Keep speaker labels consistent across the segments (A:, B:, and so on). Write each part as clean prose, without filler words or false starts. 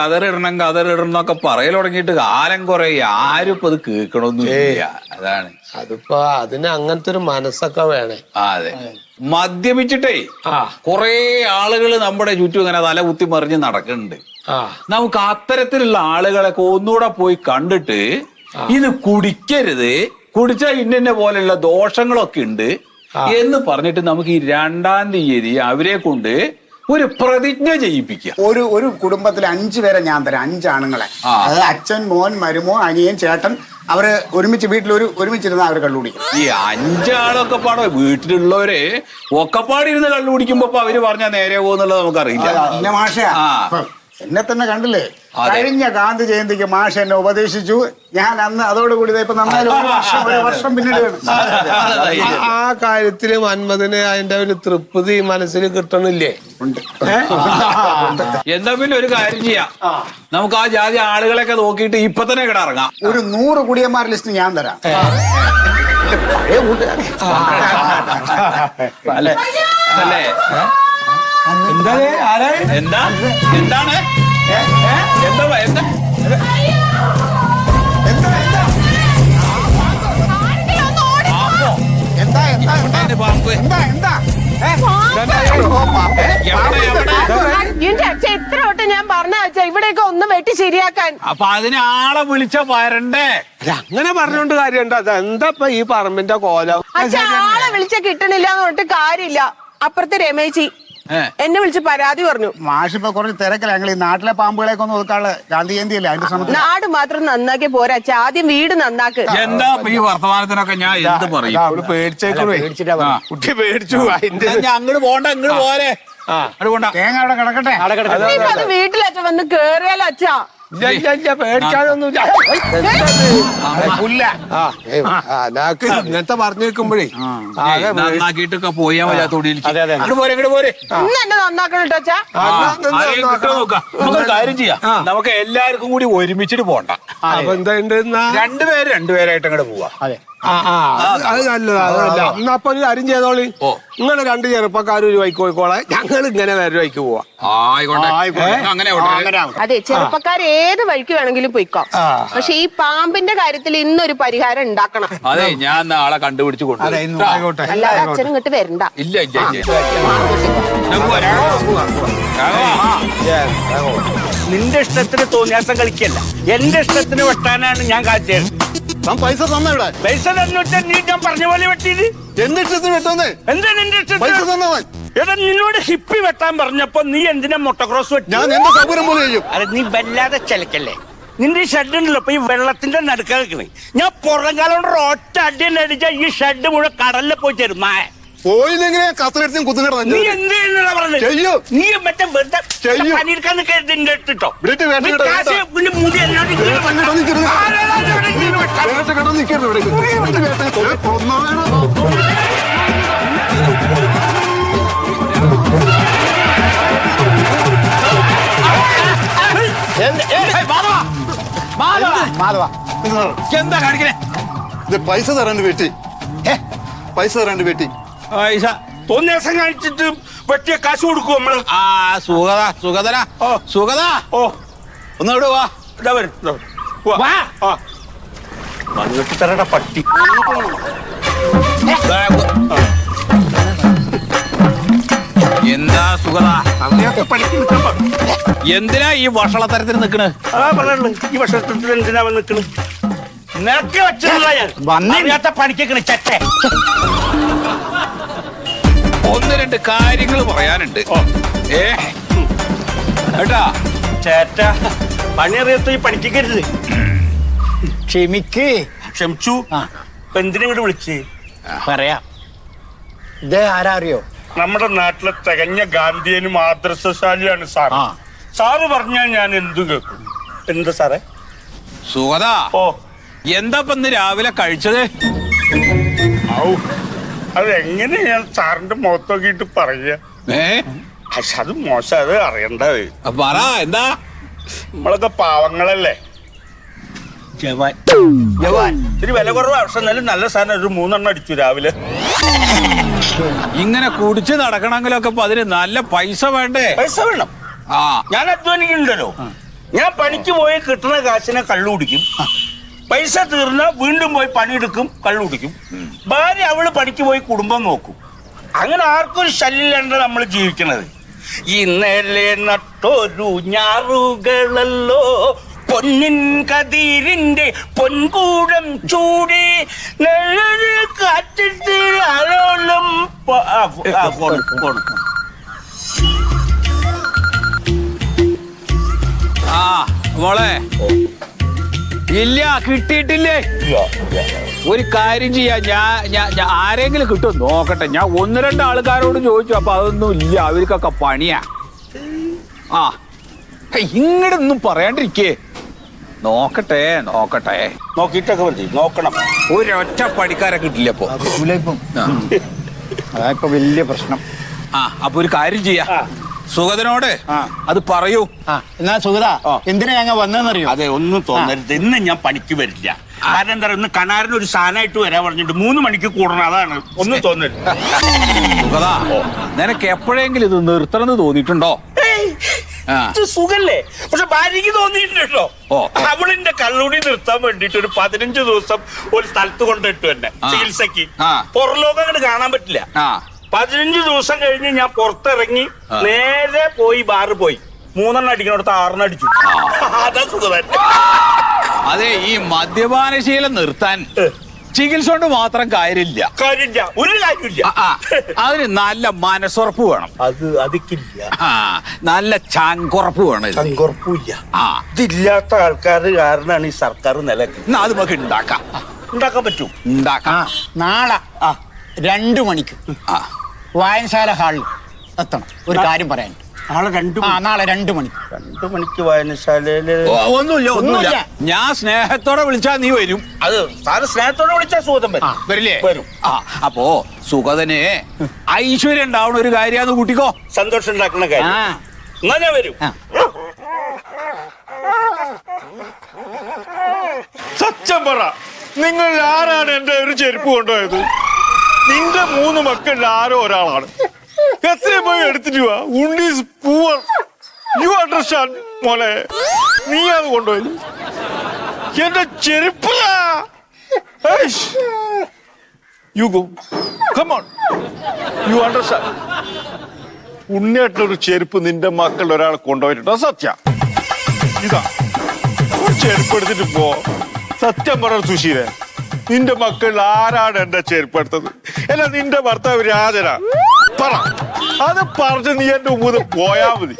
A: കതറിടണം പറയൽ തുടങ്ങിയിട്ട് കാലം കുറെ ആരും ഇപ്പൊ അത് കേൾക്കണമൊന്നുമില്ല. അതാണ്
B: അതിപ്പോ അതിന് അങ്ങനത്തെ ഒരു മനസ്സൊക്കെ വേണേ.
A: അതെ, മദ്യപിച്ചിട്ടേ കൊറേ ആളുകൾ നമ്മുടെ ചുറ്റും ഇങ്ങനെ തല കുത്തി മറിഞ്ഞ് നടക്കുന്നുണ്ട്. നമുക്ക് അത്തരത്തിലുള്ള ആളുകളൊക്കെ ഒന്നുകൂടെ പോയി കണ്ടിട്ട് ഇത് കുടിക്കരുത്, കുടിച്ചാൽ ഇന്ന പോലെയുള്ള ദോഷങ്ങളൊക്കെ ഉണ്ട് എന്ന് പറഞ്ഞിട്ട് നമുക്ക് ഈ 2-ാം തീയതി അവരെ കൊണ്ട് ഒരു പ്രതിജ്ഞ ചെയ്യിപ്പിക്കുക.
C: ഒരു കുടുംബത്തിലെ 5 പേരെ ഞാൻ തരാം, 5 ആണുങ്ങളെ. അതായത് അച്ഛൻ, മോൻ, മരുമോ, അനിയൻ, ചേട്ടൻ, അവര് ഒരുമിച്ച് വീട്ടിൽ ഒരുമിച്ചിരുന്ന അവർ കള്ളു കുടിക്കും.
A: ഈ 5 ആളൊക്കെ പാടോ വീട്ടിലുള്ളവരെ ഒക്കെപ്പാടിരുന്ന് കള്ളു കുടിക്കുമ്പോ അവര് പറഞ്ഞാൽ നേരെ പോകുന്നുള്ളത് നമുക്കറിയില്ല.
C: മാഷ എന്നെ തന്നെ കണ്ടില്ലേ, കഴിഞ്ഞ ഗാന്ധി ജയന്തിക്ക് മാഷ് എന്നെ ഉപദേശിച്ചു. ഞാൻ അന്ന് അതോടുകൂടി ഇപ്പൊ നന്നായി ഒരു വർഷം പിന്നീട്
B: ആ കാര്യത്തില് മന്മഥന് അതിന്റെ ഒരു തൃപ്തി മനസ്സിൽ കിട്ടണില്ലേ?
A: എന്താ പിന്നെ ഒരു കാര്യം ചെയ്യാം, നമുക്ക് ആ ജാതി ആളുകളൊക്കെ നോക്കിയിട്ട് ഇപ്പൊ തന്നെ കിടറങ്ങാം.
C: ഒരു 100 കുടിയന്മാർ ലിസ്റ്റ് ഞാൻ തരാം.
A: അല്ലേ അല്ലേ എന്താണ് എന്താണ് എന്താ
D: എത്ര വട്ടം ഞാൻ പറഞ്ഞ വെച്ചാ ഇവിടെയൊക്കെ ഒന്ന് വെട്ടി ശരിയാക്കാൻ.
A: അപ്പൊ അതിന് ആളെ വിളിച്ച വരണ്ടേ?
B: അങ്ങനെ പറഞ്ഞോണ്ട് കാര്യമുണ്ടോ? അതെന്താ ഈ പറമ്പിന്റെ കോലം?
D: ആളെ വിളിച്ച കിട്ടണില്ല എന്ന് പറഞ്ഞിട്ട് കാര്യമില്ല. അപ്പുറത്തെ രമേശി എന്നെ വിളിച്ച് പരാതി പറഞ്ഞു.
C: മാഷിപ്പോ കുറച്ച് തിരക്കില്ല. ഞങ്ങൾ ഈ നാട്ടിലെ പാമ്പുകളെയൊക്കെ ഒന്ന് ഒതുക്കാനുള്ള ഗാന്ധി ജയന്തി അല്ലേ അതിന്റെ ശ്രമത്തിൽ.
D: നാട് മാത്രം നന്നാക്കി പോരാ, ആദ്യം വീട് നന്നാക്ക്.
A: എന്താ ഈ വർത്തമാനത്തിനൊക്കെ ഞാൻ എന്ത് പറയും?
B: കുട്ടി പേടിച്ചു.
A: അങ്ങോട്ട് പോണ്ട, അങ്ങോട്ട് പോരെ.
C: തേങ്ങ അവിടെ കിടക്കട്ടെ.
D: അത് വീട്ടിലച്ഛ വന്ന് കേറിയാലോ അച്ഛാ?
B: പേടിക്കാനൊന്നുമില്ല. ഇങ്ങനത്തെ പറഞ്ഞു വെക്കുമ്പോഴേ
A: നന്നാക്കിട്ടൊക്കെ പോയാ മതി.
D: ഇന്ന് എന്നെ നന്നാക്കണം കേട്ടോ അച്ഛാ.
A: നമുക്ക് കാര്യം ചെയ്യാം, നമുക്ക് എല്ലാവർക്കും കൂടി ഒരുമിച്ചിട്ട് പോണ്ട.
B: അപ്പൊ എന്താ
A: രണ്ടുപേരായിട്ട് അങ്ങോട്ട് പോവാ.
B: അത് നല്ലതാ. അപ്പൊ ഒരു കാര്യം ചെയ്തോളി, നിങ്ങള് 2 ചെറുപ്പക്കാർ ഒരു വൈക്ക് പോയിക്കോളെ, ഞങ്ങൾ ഇങ്ങനെ വേറെ വൈക്ക് പോവാ.
D: അതെ, ചെറുപ്പക്കാർ ഏത് വഴിക്ക് വേണമെങ്കിലും പോയിക്കോ. പക്ഷെ ഈ പാമ്പിന്റെ കാര്യത്തിൽ ഇന്നൊരു പരിഹാരം ഉണ്ടാക്കണം.
A: അതെ, ഞാൻ നാളെ കണ്ടുപിടിച്ചു കൊണ്ടുപോയി.
D: അല്ലാതെ അച്ഛനും ഇങ്ങോട്ട് വരണ്ട.
A: ഇല്ല
E: നിന്റെ ഇഷ്ടത്തിന് തോന്നിയാസം കളിക്കല്ല, എന്റെ ഇഷ്ടത്തിന് വെട്ടാനാണ് ഞാൻ കാച്ചത്.
C: പൈസ തന്നിവിടെ.
E: പൈസ തന്നിട്ട് നീ ഞാൻ പറഞ്ഞ പോലെ വെട്ടിയത്
C: എന്റെ ഇഷ്ടത്തിന് വെട്ടുന്നേ.
E: എന്താ നിന്റെ
C: പൈസ
E: ഇഷ്ടത്തിന്?
C: തന്നവൻ
E: എടാ, നിന്നോട് ഹിപ്പി വെട്ടാൻ പറഞ്ഞപ്പോ നീ എന്തിനാ മൊട്ടക്രോസ് വെട്ടി?
C: ഞാൻ എന്റെ സൗകര്യം പോലെ ചെയ്യും.
E: അല്ല, നീ വല്ലാതെ ചിലക്കല്ലേ. നിന്റെ ഈ ഷെഡ് ഉണ്ടല്ലോ ഇപ്പൊ ഈ വെള്ളത്തിന്റെ നടുക്ക നിൽക്കണേ. ഞാൻ പുറം കാലം കൊണ്ട് ഒറ്റ അടി തന്നെ അടിച്ചാ ഈ ഷെഡ് മുഴുവൻ കടലിൽ പോയി ചേരും.
C: പോയില്ലെങ്കിലേ കത്തിലെടുത്തും കുത്തുകിട
E: നീ എന്ത് ചെയ്യുന്നതാ പറഞ്ഞത്?
C: ചെയ്യും.
E: നീ മറ്റേ വെറുതെ
C: ചെയ്യും.
E: പണിയെടുക്കാൻ നിൽക്കരുതിന്റെ ഇട്ടോ.
C: ഇവിടേക്ക് വേണ്ട
E: നീ
C: കേട്ടോ,
E: കാശ്
C: കേട്ടോ.
E: പിന്നെ മുടി എന്നോട് ഇങ്ങനെ
C: വേണ്ട കേട്ടോ, നിൽക്കരുത്.
E: ആരാടാ ഇവിടെ ഇങ്ങനെ വെട്ടാൻ?
C: വേണ്ട കേട്ടോ, നിൽക്കരുത് ഇവിടെ. മാധവ
A: എന്താ കാണിക്കണേ?
C: ഇത് പൈസ തരാണ്ട് വെട്ടി. പൈസ തരാണ്ട് വെട്ടി.
A: പൈസ
E: തോന്നിയ ദിവസം കാണിച്ചിട്ട് വെട്ടിയ കാശ് കൊടുക്കും നമ്മള്.
A: സുഗത ഒന്ന് ഇവിടെ വാ.
E: വന്നിട്ട് തരട പട്ടി.
A: എന്താ സുഗത,
E: അങ്ങനെയൊക്കെ പണിക്ക് നിൽക്കാൻ പാടില്ല.
A: എന്തിനാ ഈ വഷളത്തരത്തിന് നിക്കണ്?
E: അതാ പറഞ്ഞുള്ളു, ഈ വർഷത്തിൽ എന്തിനാ നിൽക്കണ്? നിനക്ക് വെച്ചിട്ടുള്ള ഞാൻ അറിയാത്ത പണിക്കണ ചട്ടെ.
A: 1-2 കാര്യങ്ങൾ പറയാനുണ്ട്. ഏട്ടാ
E: ചേറ്റ പണി അറിയാത്ത ഈ പണിക്കരുത്. ക്ഷമിച്ചു. ഇപ്പൊ എന്തിനങ്ങോട്ട് വിളിച്ച്
F: പറയാം. ഇതേ ആരാ അറിയോ?
E: നമ്മുടെ നാട്ടിലെ തികഞ്ഞ ഗാന്ധിയനും ആദർശശാലിയാണ് സാർ. സാറ് പറഞ്ഞാൽ ഞാൻ എന്തു കേൾക്കും. എന്താ സാറേ?
A: സുഗത, എന്താ ഇപ്പൊ ഇന്ന് രാവിലെ കഴിച്ചത്?
E: അതെങ്ങനെ ഞാൻ സാറിന്റെ മുഖത്ത് നോക്കിയിട്ട് പറയാ? പക്ഷെ അത് മോശം, അത് അറിയണ്ടത്.
A: പറ എന്താ?
E: നമ്മളൊക്കെ പാവങ്ങളല്ലേ. ഇത്തിരി വില കുറവ് പക്ഷെ എന്നാലും നല്ല സാധനം. ഒരു 3 എണ്ണം അടിച്ചു രാവിലെ.
A: ഇങ്ങനെ കുടിച്ച് നടക്കണമെങ്കിലൊക്കെ അതിന് നല്ല പൈസ വേണ്ടേ?
E: പൈസ വേണം. ഞാൻ അധ്വാനിക്കുന്നുണ്ടല്ലോ. ഞാൻ പണിക്ക് പോയി കിട്ടുന്ന കാശിനെ കള്ളു കുടിക്കും, പൈസ തീർന്ന വീണ്ടും പോയി പണിയെടുക്കും, കള്ളു കുടിക്കും. ഭാര്യ അവള് പണിക്ക് പോയി കുടുംബം നോക്കും. അങ്ങനെ ആർക്കും ഒരു ശല്യമില്ലാണ്ട് നമ്മൾ ജീവിക്കണത്. ഇന്നലെ നട്ടൊരു ഞാറുകളല്ലോ പൊന്നിൻ കതിരിന്റെ പൊൻകൂടം ചൂടി കാറ്റിട്ട് അലോളം
A: ആ മോളെ ഇല്ല കിട്ടിയിട്ടില്ലേ? ഒരു കാര്യം ചെയ്യാ, ഞാൻ ആരെങ്കിലും കിട്ടും നോക്കട്ടെ. ഞാൻ 1-2 ആൾക്കാരോട് ചോദിച്ചു, അപ്പൊ അതൊന്നും ഇല്ല, അവർക്കൊക്കെ പണിയാ. ആ ഇങ്ങടൊന്നും പറയാണ്ടിരിക്കേ. നോക്കട്ടെ
E: നോക്കിയിട്ടൊക്കെ മതി, നോക്കണം.
A: ഒരൊറ്റ പണിക്കാരെ കിട്ടില്ല ഇപ്പൊ.
F: അതായിപ്പോ വലിയ പ്രശ്നം.
A: ആ അപ്പൊ ഒരു കാര്യം ചെയ്യാ, സുഗതനോട് അത് പറയൂ.
F: എന്നാ സുഗത എന്തിനാ ഞങ്ങൾ വന്നതെന്നറിയോ?
E: അതെ, ഒന്നും തോന്നരുത്. ഇന്ന് ഞാൻ പണിക്ക് വരില്ല. കാരണം എന്താ, ഇന്ന് കണാറിന് ഒരു സാധനമായിട്ട് വരാൻ പറഞ്ഞിട്ട് 3 മണിക്ക് കൂടണം. അതാണ്, ഒന്നും തോന്നരുത്.
A: സുഗത നിനക്ക് എപ്പോഴെങ്കിലും ഇത് നിർത്തണമെന്ന് തോന്നിയിട്ടുണ്ടോ?
E: സുഖല്ലേ? പക്ഷെ ഭാര്യക്ക് തോന്നിയിട്ടുണ്ടോ? അവളിന്റെ കള്ളുടി നിർത്താൻ വേണ്ടിട്ട് ഒരു 15 ദിവസം ഒരു സ്ഥലത്ത് കൊണ്ടിട്ടു എന്നെ ചികിത്സക്ക്. പുറലോകം അങ്ങോട്ട് കാണാൻ പറ്റില്ല. 15 ദിവസം കഴിഞ്ഞ് ഞാൻ പുറത്തിറങ്ങി നേരെ പോയി ബാറ് പോയി 3 അടിക്കണോടത്ത് 6 അടിച്ചു. അതാ സുഖം.
A: അതെ, ഈ മദ്യപാനശീലം നിർത്താൻ ചികിത്സ കൊണ്ട് മാത്രം കാര്യമില്ല,
E: ഒരു കാര്യമില്ല.
A: അതിന് നല്ല മനസ്സുറപ്പ് വേണം.
E: അതിക്കില്ല.
A: നല്ല ചങ്കുറപ്പ് വേണം.
E: ചങ്കുറപ്പില്ല. ഇതില്ലാത്ത ആൾക്കാർ കാരണമാണ് ഈ സർക്കാർ നിലനിൽക്കുന്നത്.
A: അത് നമുക്ക് ഉണ്ടാക്കാൻ
E: പറ്റും.
F: നാളെ 2 മണിക്ക് വായനശാല ഹാളിൽ എത്തണം. ഒരു കാര്യം പറയാൻ. നാളെ 2 മണിക്ക്.
E: 2 മണിക്ക് വായനശാലയില്
A: ഒന്നുമില്ല. ഞാൻ സ്നേഹത്തോടെ വിളിച്ചാ നീ വരും.
E: അത് സാറ് സ്നേഹത്തോടെ വിളിച്ചാൽ സുഗതൻ
A: വരില്ലേ?
E: വരും.
A: അപ്പോ സുഗതന് ഐശ്വര്യം ഉണ്ടാവണ ഒരു കാര്യാന്ന് കൂട്ടിക്കോ.
E: സന്തോഷം ഉണ്ടാക്കുന്ന കാര്യം. എന്നാ ഞാൻ വരും.
G: സത്യം പറ, നിങ്ങൾ ആരാണ് എന്റെ ഒരു ചെരുപ്പ് കൊണ്ടുപോയത്? നിന്റെ 3 മക്കളിൽ ആരോ ഒരാളാണ്. എത്രയും പോയി എടുത്തിട്ട് വാ. ഉണ്ണീസ് പൂവർ. യു അണ്ടർസ്റ്റാൻഡ് മോനെ? നീ അത് കൊണ്ടുപോയത് എന്റെ ചെരുപ്പ്. You go, come on, you understand? ഉണ്ണിയായിട്ടൊരു ചെരുപ്പ് നിന്റെ മക്കളിൽ ഒരാൾ കൊണ്ടുപോയിട്ടുണ്ട്. സത്യ ഇതാ ഒരു ചെരുപ്പ് എടുത്തിട്ട് പോ. സത്യം പറ സുശീലേ, നിന്റെ മക്കളിൽ ആരാണ് എന്റെ ചെരുപ്പ് എടുത്തത്? അല്ല നിന്റെ ഭർത്താവ് രാജനാ? പറ. അത് പറഞ്ഞ് നീ എന്റെ മുമ്പ് പോയാ മതി.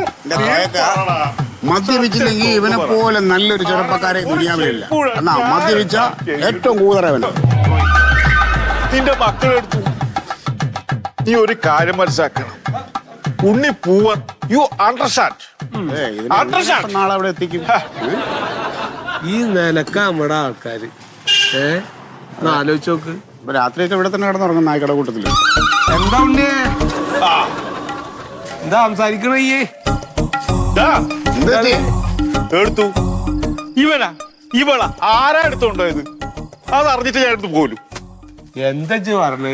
C: മദ്യപിച്ചില്ലെങ്കിൽ ഇവനെ പോലെ നല്ലൊരു ചെറുപ്പക്കാരെ ദുനിയാവിലില്ല. എന്നാ മദ്യപിച്ച ഏറ്റവും കൂടുതലവനാ.
G: നിന്റെ മക്കളെടുത്തു. നീ ഒരു കാര്യം മനസ്സിലാക്കണം, ഉണ്ണി പൂവൻ. You understand?
C: നാളെ അവിടെ എത്തിക്കും.
B: ഈ നിലക്ക നമ്മുടെ ആൾക്കാര് ആലോചിച്ച് നോക്ക്.
C: രാത്രിയൊക്കെ ഇവിടെ തന്നെ കിടന്നുറങ്ങും നായ്ക്കട കൂട്ടത്തില്.
B: എന്താ ഉണ്ടേ? എന്താ സംസാരിക്കണേ?
G: എടുത്തു. ഇവളാ ആരാ എടുത്തോണ്ടായത്? അത് അറിഞ്ഞിട്ട് ഞാൻ എടുത്തു പോലും.
B: എന്താ പറഞ്ഞേ?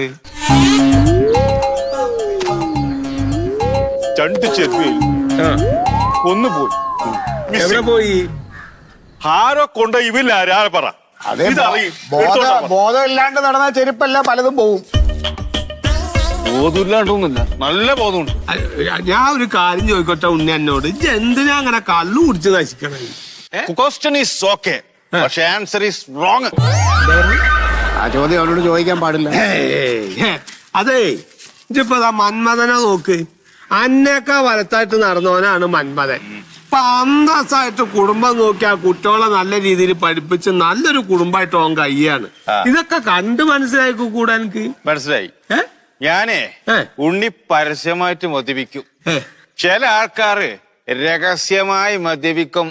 G: 2 ചെരുപ്പ് ഒന്ന് പോയി.
B: എവിടെ പോയി?
G: ആരോ കൊണ്ട ഇവല്ല ആരാ പറ.
C: അതെ, ബോധമില്ലാണ്ട് നടന്ന ചെരുപ്പല്ല പലതും പോവും.
G: ബോധമില്ലാണ്ടൊന്നുമില്ല, നല്ല ബോധമുണ്ട്.
B: ഞാൻ ഒരു കാര്യം ചോദിക്കട്ടെ ഉണ്ണി എന്നോട്, എന്തിനാ അങ്ങനെ കള്ളു കുടിച്ച് നശിക്കണേ?
G: ക്വസ്റ്റ്യൻ ഈസ് ഓക്കെ, പക്ഷെ ആൻസർ ഈസ് റോങ്.
C: ആ ചോദ്യം അവനോട് ചോദിക്കാൻ പാടില്ല.
B: അതെ, ഇതിപ്പോ മന്മഥനെ നോക്ക്. അന്നേക്കാ വലത്തായിട്ട് നടന്നവനാണ് മന്മഥൻ. ഇപ്പൊ അന്തസ്സായിട്ട് കുടുംബം നോക്കി ആ കുട്ടികളെ നല്ല രീതിയിൽ പഠിപ്പിച്ച് നല്ലൊരു കുടുംബമായിട്ട് ഓൻ കയ്യാണ്. ഇതൊക്കെ കണ്ട് മനസ്സിലാക്കി കൂടാ എനിക്ക്.
G: മനസ്സിലായി. ഞാനേ ഉണ്ണി പരസ്യമായിട്ട് മദ്യപിക്കും. ചില ആൾക്കാര് രഹസ്യമായി മദ്യപിക്കും.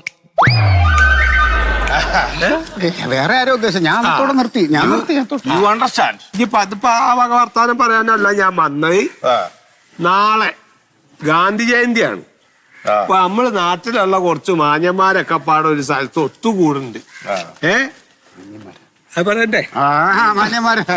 C: വേറെ ആരോ ഉദ്ദേശം. ഞാൻ നിർത്തി.
G: You understand?
B: ഇപ്പൊ അതിപ്പോ ആ വക വർത്താനം പറയാനല്ല ഞാൻ വന്നത്. നാളെ ഗാന്ധി ജയന്തിയാണ്. അപ്പൊ നമ്മള് നാട്ടിലുള്ള കുറച്ച് മാന്യന്മാരൊക്കെ പാടെ ഒരു സ്ഥലത്ത് ഒത്തുകൂടുന്നുണ്ട്. പറയണ്ടേ?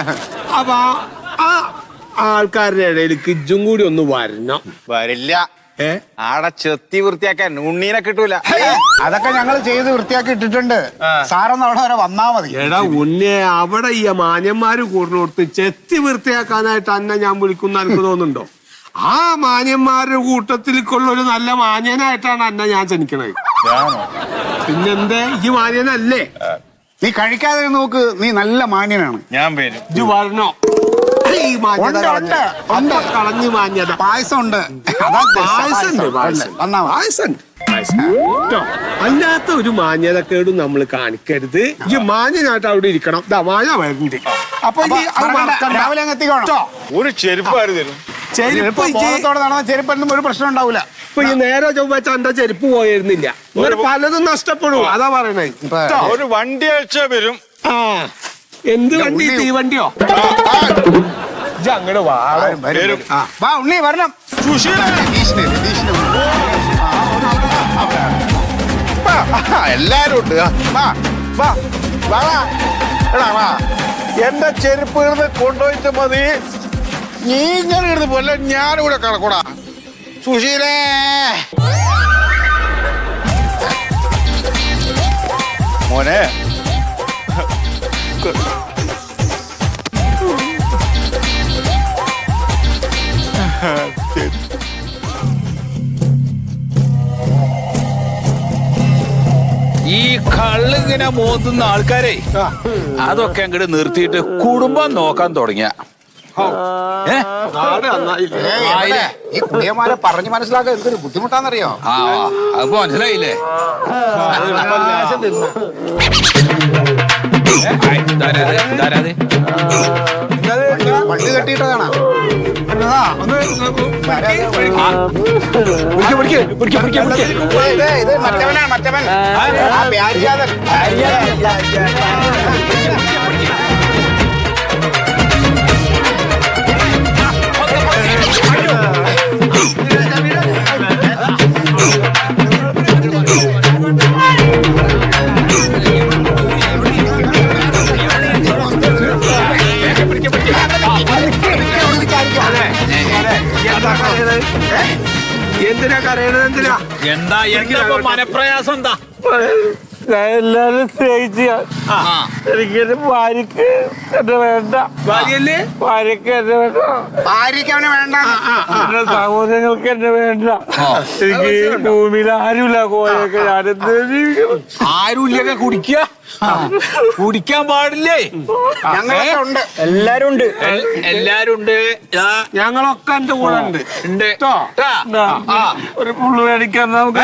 B: അപ്പൊ ആ ആൾക്കാരുടെ ഇടയിൽ കിജും കൂടി ഒന്ന് വരണം.
G: വരില്ല. ആടെ ചെത്തി വൃത്തിയാക്കാൻ ഉണ്ണീനെ കിട്ടൂല.
C: അതൊക്കെ ഞങ്ങൾ ചെയ്ത് വൃത്തിയാക്കി ഇട്ടിട്ടുണ്ട്. സാറൊന്ന് അവിടെ വരെ വന്നാ മതി.
B: എടാ ഉണ്ണെ, അവിടെ ഈ മാന്യന്മാര് കൂടുന്നോടത്ത് ചെത്തി വൃത്തിയാക്കാനായിട്ട് അന്നെ ഞാൻ വിളിക്കുന്ന എനിക്ക് തോന്നുന്നുണ്ടോ? ആ മാന്യന്മാരുടെ കൂട്ടത്തിലേക്കുള്ള ഒരു നല്ല മാന്യനായിട്ടാണ് അന്നെ ഞാൻ ക്ഷണിക്കണത്. പിന്നെന്തേ, ഈ മാന്യനല്ലേ?
C: നീ കഴിക്കാതെ നോക്ക്, നീ നല്ല മാന്യനാണ്.
G: ഞാൻ വരും.
B: ഇജ്ജ് വരണോ? ഈ മാന്യത
C: ഉണ്ട്.
B: കളഞ്ഞു മാന്യത.
C: പായസം ഉണ്ട്.
B: പായസം അല്ലാത്ത ഒരു മാന്യതക്കേടും നമ്മൾ കാണിക്കരുത്. ഈ മാന്യനായിട്ട് അവിടെ ഇരിക്കണം. മാഞ്ഞ വരുന്നുണ്ട്. അപ്പൊ
C: രാവിലെ അങ്ങ് എത്തിക്കോണം.
G: ഒരു ചെരുപ്പാര് തരും.
B: ചെരുപ്പ്
C: ബോധത്തോടെ നടന്ന ചെരുപ്പൊന്നും ഒരു പ്രശ്നം ഉണ്ടാവില്ല.
B: ഇപ്പൊ ഈ നേരെ ചൊവ്വാഴ്ച എന്റെ ചെരുപ്പ് പോയിരുന്നില്ല. ഇങ്ങനെ പലതും നഷ്ടപ്പെടും. അതാ പറയണേ.
G: ഒരു വണ്ടി അയച്ച വരും.
B: ആ, എന്ത് വണ്ടി? തീവണ്ടിയോ? അങ്ങോട്ട് വാ.
C: വാ ഉണ്ണി, വരണം.
G: എല്ലാരും ഉണ്ട്. എന്റെ ചെരുപ്പ് ഇടുന്ന് കൊണ്ടുപോയിട്ട് മതി. നീ ഇങ്ങനെ ഇടുന്ന് പോലെ ഞാനിവിടെ കിടക്കൂടാ. സുശീലേ, മോനെ
A: ഈ കള്ളിങ്ങനെ മോത്തുന്ന ആൾക്കാരെ അതൊക്കെ അങ്ങോട്ട് നിർത്തിയിട്ട് കുടുംബം നോക്കാൻ തുടങ്ങിയ
C: ഈ കുടിയന്മാരെ പറഞ്ഞു മനസ്സിലാക്കാൻ എന്തൊരു ബുദ്ധിമുട്ടാന്നറിയോ?
A: അപ്പൊ മനസ്സിലായില്ലേ?
C: വണ്ടി കെട്ടിയിട്ടതാണ്. ഇത് മറ്റവനാണ്, മറ്റവൻ. ആ വ്യാജാതൻ.
B: എന്തിനാ കരയണത്? എന്തിനാ?
A: എന്താ മനപ്രയാസം? എന്താ?
E: ഞാൻ എല്ലാരും സ്നേഹിച്ച എനിക്കെന്റെ ഭാര്യക്ക് എന്നെ വേണ്ട.
B: ഭാര്യയല്ലേ?
E: ഭാര്യക്ക് എന്നെ വേണ്ട.
C: ഭാര്യയ്ക്ക് അവന് വേണ്ട.
E: എന്റെ സഹോദരങ്ങൾക്ക് എന്നെ വേണ്ട. എനിക്ക് ഭൂമിയിൽ ആരുമില്ല. കോയൊക്കെ ഞാനെന്ത് ജീവിക്കണം?
A: ആരുമില്ലൊക്കെ കുടിക്കാൻ പാടില്ലേ?
C: ഞങ്ങളൊക്കെ ഉണ്ട്.
F: എല്ലാരും ഉണ്ട്.
A: എല്ലാരും ഉണ്ട്.
B: ഞങ്ങളൊക്കെ എന്റെ കൂടെ ഉണ്ട്.
E: ഒരു പുള്ളു മേടിക്കാൻ നമുക്ക്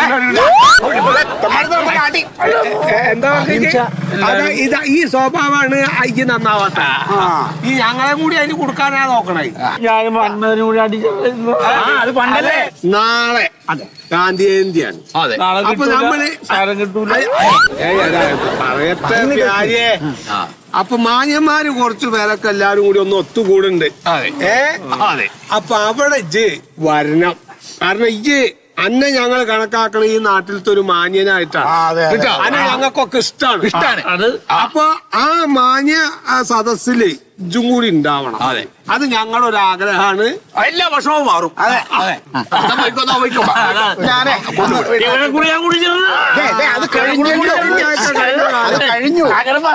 B: എന്താ പറഞ്ഞ ഈ സ്വഭാവമാണ് അയ്യ നന്നാവാത്ത. ഈ ഞങ്ങളെ കൂടി അതിന് കൊടുക്കാനാ നോക്കണേ.
E: ഞാൻ മണ്ണൂരി കൂടി അടിച്ചു.
F: അത് പണ്ടല്ലേ.
B: നാളെ ഗാന്ധി ജയന്തിയാണ്. അപ്പൊ നമ്മള്
E: സാരം കിട്ടൂല.
B: പറയട്ടെ കാര്യേ. അപ്പൊ മാന്യന്മാര് കുറച്ചു പേരൊക്കെ എല്ലാരും കൂടി ഒന്ന് ഒത്തുകൂടുണ്ട്. അപ്പൊ അവിടെ ഇജ്ജ് വരണം. കാരണം ഇജ്ജ് അന്നെ ഞങ്ങൾ കണക്കാക്കണ ഈ നാട്ടിലത്തെ ഒരു മാന്യനായിട്ടാണ്. അന്നെ ഞങ്ങൾക്കൊക്കെ ഇഷ്ടമാണ്. അപ്പൊ ആ മാന്യ സദസ്സില് ഇജ്ജും കൂടി ഉണ്ടാവണം. അത് ഞങ്ങളൊരു ആഗ്രഹമാണ്.
A: എല്ലാ വർഷവും മാറും.
C: അത് കഴിഞ്ഞു.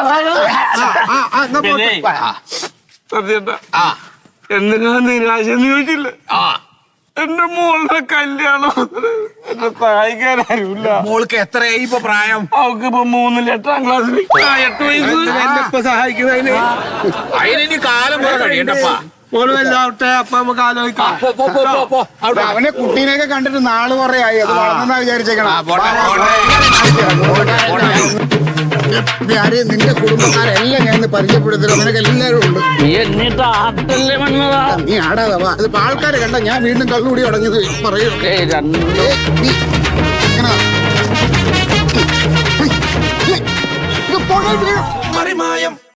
E: എന്തിനാ നിരാശ എന്ന് ചോദിച്ചില്ല. എന്റെ മോളുടെ കല്യാണം എന്നെ സഹായിക്കാൻ ആരുമില്ല.
A: മോൾക്ക് എത്രയായി ഇപ്പൊ പ്രായം?
E: അവൾക്ക് ഇപ്പൊ 3-ൽ 8ാം ക്ലാസ്സിൽ 8 വയസ്സ്.
B: ഇപ്പൊ സഹായിക്കുന്നതിന്
A: അതിനി കാലം പോലെ കഴിയണ്ടപ്പാ.
B: മോളുമെല്ലാവട്ടെ. അപ്പൊ നമുക്ക് ആലോചിക്കാം.
C: അവനെ കുട്ടീനെയൊക്കെ കണ്ടിട്ട് നാള് കുറേ ആയി. അത് വളർന്നാ വിചാരിച്ചേക്കണം. നിന്റെ കുടുംബക്കാരെല്ലാം ഞാൻ പരിചയപ്പെടുത്തണം. നിനക്ക് എല്ലാവരും ഉണ്ട്. നീ ആടാതെ വാ. അതിപ്പോ ആൾക്കാരെ കണ്ട ഞാൻ വീണ്ടും കള്ളുകൂടി തുടങ്ങിയത് പറയൂ.